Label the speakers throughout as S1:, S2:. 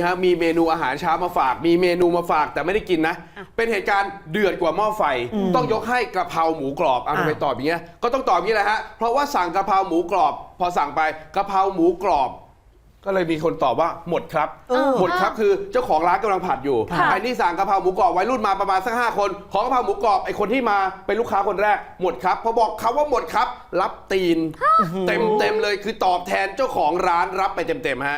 S1: ฮะมีเมนูอาหารเช้ามาฝากมีเมนูมาฝากแต่ไม่ได้กินนะเป็นเหตุการณ์เดือดกว่าหม้อไฟต้องยกให้กระเพราหมูกรอบเอาไปตอบอย่างเงี้ยก็ต้องตอบอย่างนี้แหละฮะเพราะว่าสั่งกระเพราหมูกรอบพอสั่งไปกระเพราหมูกรอบก็เลยมีคนตอบว่าหมดครับหมดครับคือเจ้าของร้านกำลังผัดอยู่ไอ้นี่สั่งกะเพราหมูกรอบวัยรุ่นมาประมาณสัก5 คนขอกะเพราหมูกรอบไอ้คนที่มาเป็นลูกค้าคนแรกหมดครับพอบอกเขาว่าหมดครับรับตีนเต็มเลยคือตอบแทนเจ้าของร้านรับไปเต็มฮะ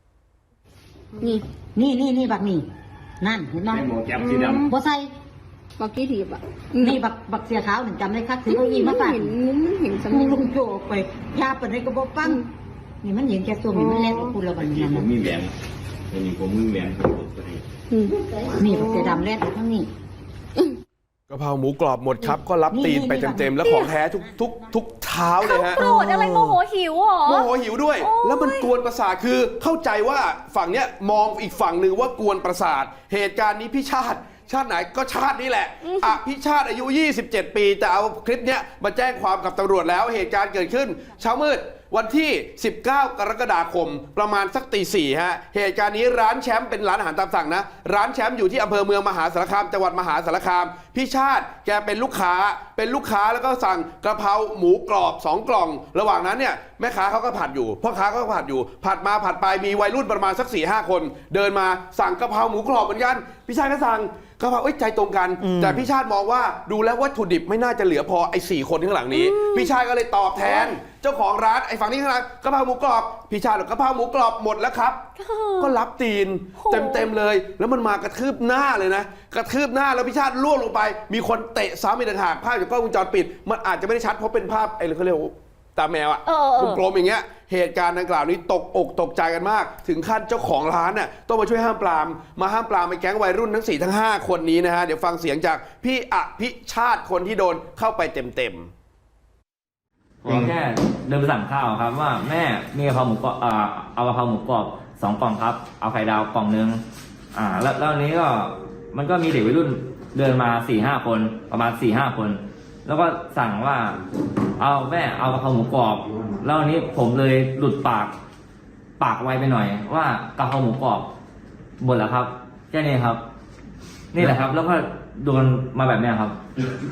S2: นี่บักนี่นั่นเห็นไหมหมูแก้มสีดำบ่ใส่
S3: บักกี้ถีบอ่ะ
S2: นี่บักเสียขาวหนึ่งจำได้คักถือเอาอีมาใส่
S3: มันเห็นสมอง
S2: ลุงโจไปยาเปิดให้กระบอกปั้งนี่มันเห็นแค่ตัวมันแรกกับคุณละวันนี้นะ
S4: ผมมีแหวนนี่ผมมีแหวน
S2: นี่บักเสียดำแรกทั้งนี้
S1: กะเพราหมูกรอบหมดครับก็รับตีนไปเต็มแล้วของแท้ทุกเท้าเลยฮะ
S5: โกรธอะไรโมโหหิวหรอ
S1: โมโหหิวด้วยแล้วมันกวนประสาทคือเข้าใจว่าฝั่งเนี้ยมองอีกฝั่งหนึ่งว่ากวนประสาทเหตุการณ์นี้พี่ชาติไหนก็ชาตินี้แหละพี่ชาติอายุ27 ปีแต่เอาคลิปเนี้ยมาแจ้งความกับตำรวจแล้วเหตุการณ์เกิดขึ้นเช้ามืดวันที่19 กรกฎาคมประมาณสักตี 4ฮะเหตุการณ์นี้ร้านแชมป์เป็นร้านอาหารตามสั่งนะร้านแชมป์อยู่ที่อำเภอเมืองมหาสารคามจังหวัดมหาสารคามพี่ชาติแกเป็นลูกค้าแล้วก็สั่งกระเพราหมูกรอบ2 กล่องระหว่างนั้นเนี่ยแม่ค้าเขาก็ผัดอยู่พ่อค้าก็ผัดอยู่ผัดมาผัดไปมีวัยรุ่นประมาณสัก 4-5 คนเดินมาสั่งกระเพราหมูกรอบเหมือนกันพี่ชาติก็สั่งกระเพราใจตรงกันแต่พี่ชาติมองว่าดูแล้ววัตถุดิบไม่น่าจะเหลือพอไอ้4 คนข้างหลังนี้พี่ชาติก็เลยตอบแทนเจ้าของร้านไอ้ฝั่งนี้ข้างหลังกระเพราหมูกรอบพี่ชาติบอกกระเพราหมูกรอบหมดแล้วครับก็รับตีนเต็มเลยแล้วมันมากระทืบหน้าเลยนะกระทืบหน้าแล้วพี่ชาติล่วงลงไปมีคนเตะซ้ำอีกต่างหากภาพจากกล้องวงจรปิดมันอาจจะไม่ได้ชัดเพราะเป็นภาพไอ้เขาเรียกว่าตาแมวอะกลมๆอย่างเงี้ยเหตุการณ์ดังกล่าวนี้ตกอกตกใจกันมากถึงขั้นเจ้าของร้านน่ะต้องมาช่วยห้ามปรามไอ้แก๊งวัยรุ่นทั้ง4 ทั้ง 5 คนนี้นะฮะเดี๋ยวฟังเสียงจากพี่อภิชาติคนที่โดนเข้าไปเต็ม
S6: ผมแค่เดินไปสั่งข้าวครับว่าแม่มีกะเพราหมูกรอบเอากะเพราหมูกรอบ2 กล่องครับเอาไข่ดาวกล่องนึงแล้วนี้ก็มันก็มีเด็กวัยรุ่นเดินมา 4-5 คนประมาณ 4-5 คนแล้วก็สั่งว่าเอาแม่เอากะเพราหมูกรอบแล้วนี้ผมเลยหลุดปากไวไปหน่อยว่ากะเพราหมูกรอบหมดแล้วครับแค่นี้ครับนี่แหละครับแล้วก็โดนมาแบบนี้ครับ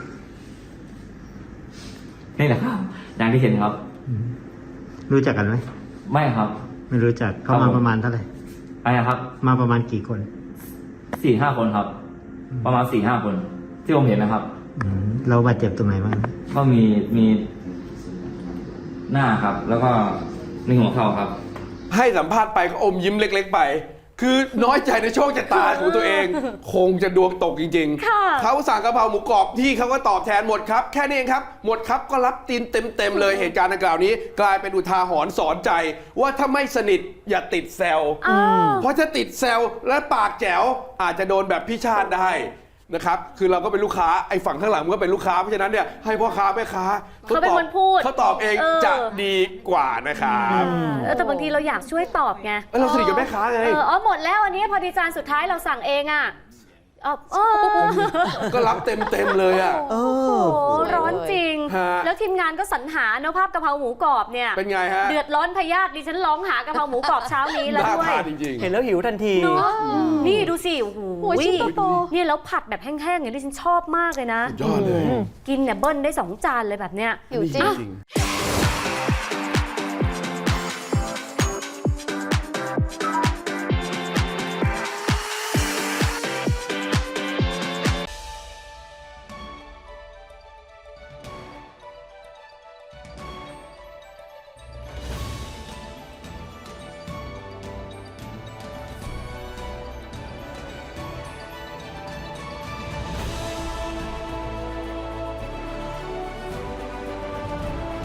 S6: นี่แหละครับอย่างที่เห็นครับ
S7: รู้จักกันไหม
S6: ไม่ครับ
S7: ไม่รู้จักเขามาประมาณเท่าไหร่
S6: อะไรครับ
S7: มาประมาณกี่คน
S6: 4-5 คนครับประมาณ 4-5 คนที่ผมเห็นนะครับ
S7: เราบาดเจ็บตรงไหนบ้าง
S6: ก็มีหน้าครับแล้วก็มีหัวเข่าครับ
S1: ให้สัมภาษณ์ไปก็อมยิ้มเล็กๆไปคือน้อยใจในโชคชะตาของตัวเองคงจะดวงตกจริงๆเขาสั่งกะเพราหมูกรอบที่เขาก็ตอบแทนหมดครับแค่นี้เองครับหมดครับก็รับตีนเต็มเลยเหตุการณ์ดังกล่าวนี้กลายเป็นอุทาหรณ์สอนใจว่าถ้าไม่สนิทอย่าติดแซวเพราะถ้าติดแซวและปากแจ๋วอาจจะโดนแบบพี่ชาติได้นะครับคือเราก็เป็นลูกค้าไอ้ฝั่งข้างหลังมันก็เป็นลูกค้าเพราะฉะนั้นเนี่ยให้พ่อค้าแม่ค้า
S5: เขาเป็นคนพูด
S1: เขาตอบเองจะดีกว่านะครับ
S5: แต่บางทีเราอยากช่วยตอบไง
S1: เราสนิทกับแม่ค้าไง
S5: หมดแล้วอันนี้พอดีจานสุดท้ายเราสั่งเองอ่ะ
S1: ก็รับเต็มเลยอ่ะ
S5: โอ้ร้อนจริงแล้วทีมงานก็สรรหาเนื้อภาพกะเพราหมูกรอบเนี่ย
S1: เป็นไงฮะ
S5: เดือดร้อนพยาธิดิฉันร้องหากะเพราหมูกรอบเช้านี้แล้วด้วย
S1: เห็นแล้วหิวทันที
S5: นี่ดูสิโอ้โหนี่แล้วผัดแบบแห้งๆอย่างที่ฉันชอบมากเลยนะ
S1: ยอดเลย
S5: กินเนี่ยเบิ้ลได้2 จานเลยแบบเนี้ย
S3: หิวจริง